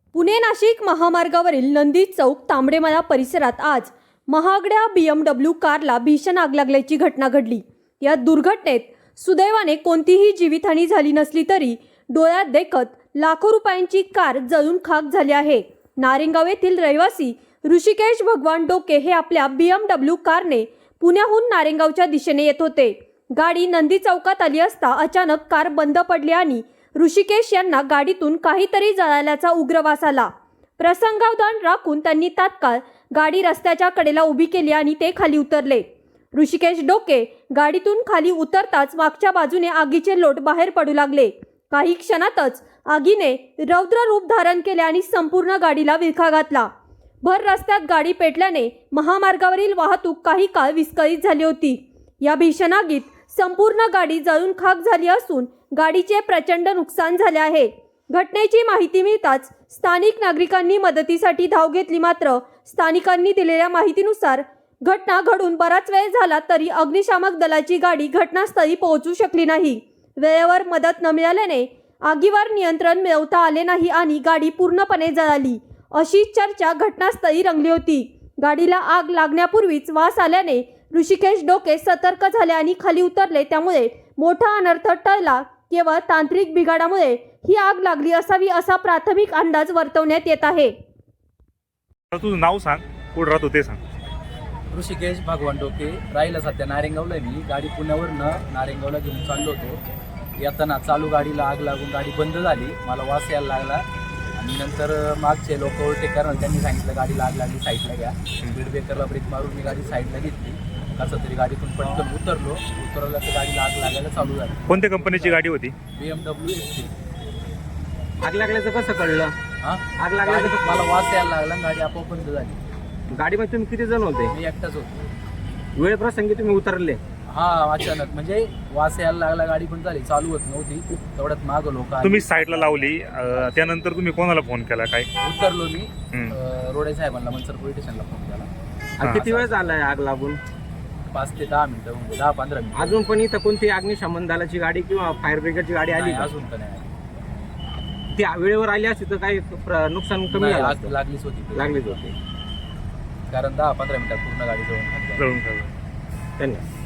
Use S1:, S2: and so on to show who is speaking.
S1: पुणे नाशिक महामार्गावरील नंदी चौक तांबडेमला परिसरात आज महागड्या BMW कारला भीषण आग लागल्याची घटना घडली। या दुर्घटनेत सुदैवाने कोणतीही जीवितहानी झाली नसली तरी डोळ्यात देखत लाखो रुपयांची कार जळून खाक झाली आहे। नारेंगाव येथील रहिवासी ऋषिकेश भगवान डोके हे आपल्या BMW कारने पुण्याहून नारेंगावच्या दिशेने येत होते। गाडी नंदी चौकात आली असता अचानक कार बंद पडली आणि ऋषिकेश यांना गाडीतून काहीतरी जळाल्याचा उग्र वास आला। प्रसंगावधान राखून त्यांनी तात्काळ गाडी रस्त्याच्या कडेला उभी केली आणि ते खाली उतरले। ऋषिकेश डोके गाडीतून खाली उतरताच मागच्या बाजूने आगीचे लोट बाहेर पडू लागले। काही क्षणातच आगीने रौद्र रूप धारण केले आणि संपूर्ण गाडीला विळखा घातला। भर रस्त्यात गाडी पेटल्याने महामार्गावरील वाहतूक काही काळ विस्कळीत झाली होती। या भीषण आगीत संपूर्ण गाडी जळून खाक झाली असून गाडीचे प्रचंड नुकसान झाले आहे। घटनेची माहिती मिळताच स्थानिक नागरिकांनी मदतीसाठी धाव घेतली, मात्र स्थानिकांनी दिलेल्या माहितीनुसार घटना घडून बराच वेळ झाला तरी अग्निशामक दलाची गाडी घटनास्थळी पोहोचू शकली नाही। वेळेवर मदत न मिळाल्याने आगीवर नियंत्रण मिळवता आले नाही आणि गाडी पूर्णपणे जळाली अशी चर्चा घटनास्थळी रंगली होती। गाडीला आग लागण्यापूर्वीच वास आल्याने ऋषिकेश डोके सतर्क झाले आणि खाली उतरले, त्यामुळे मोठा अनर्थ टळला। केवळ तांत्रिक बिघाडामुळे ही आग लागली असावी असा प्राथमिक अंदाज वर्तवण्यात येत आहे।
S2: तुझं नाव सांग, कुठं राहतो ते सांग।
S3: ऋषिकेश भगवान डोके, राहिला सध्या नारेंगावला। मी गाडी पुण्यावरनं नारेंगावला घेऊन चाललो होतो। येताना चालू गाडीला आग लागून गाडी बंद झाली, मला वास यायला लागला आणि नंतर मागचे लोक ओव्हरटेक करणार, त्यांनी सांगितलं गाडीला आग लागली, साईडला घ्या। स्पीड ब्रेकरला ब्रेक मारून मी गाडी साईडला घेतली। कसं तरी गाडीतून पटकन उतरलं तर गाडीला आग लागायला चालू झाली।
S2: कोणत्या कंपनीची गाडी होती?
S3: BMW XT।
S4: आग लागल्याचं कसं कळलं?
S3: आग लागल्याचं मला वास यायला लागला, गाडी आपोआप बंद झाली।
S4: गाडीमध्ये तुम्ही किती जण होते?
S3: मी एकटाच होतो।
S4: वेळ प्रसंगी तुम्ही उतरले?
S3: अचानक म्हणजे वास यायला लागला, गाडी पण झाली, चालू होत नव्हती। तेवढ्यात मागं लोक
S2: तुम्ही साईडला लावली, त्यानंतर तुम्ही कोणाला फोन केला? काय
S3: उतरलो मी रोडे साहेबांना, मनसर पोलीस स्टेशनला फोन केला।
S4: किती वेळ झालाय आग लागून?
S3: 5 ते 10 मिनिटं, म्हणजे 10-15 मिनिटं।
S4: अजून पण इथं कोणती अग्निशमन दलाची गाडी किंवा फायर ब्रिगेडची गाडी आली का?
S3: अजून तर नाही।
S4: ती वेळेवर आली असती तर काही नुकसान कमी झालं असतं?
S3: लागलीच
S4: होती
S3: कारण 10-15 मिनिटात पूर्ण गाडी जळून
S2: जळून
S4: धन्यवाद।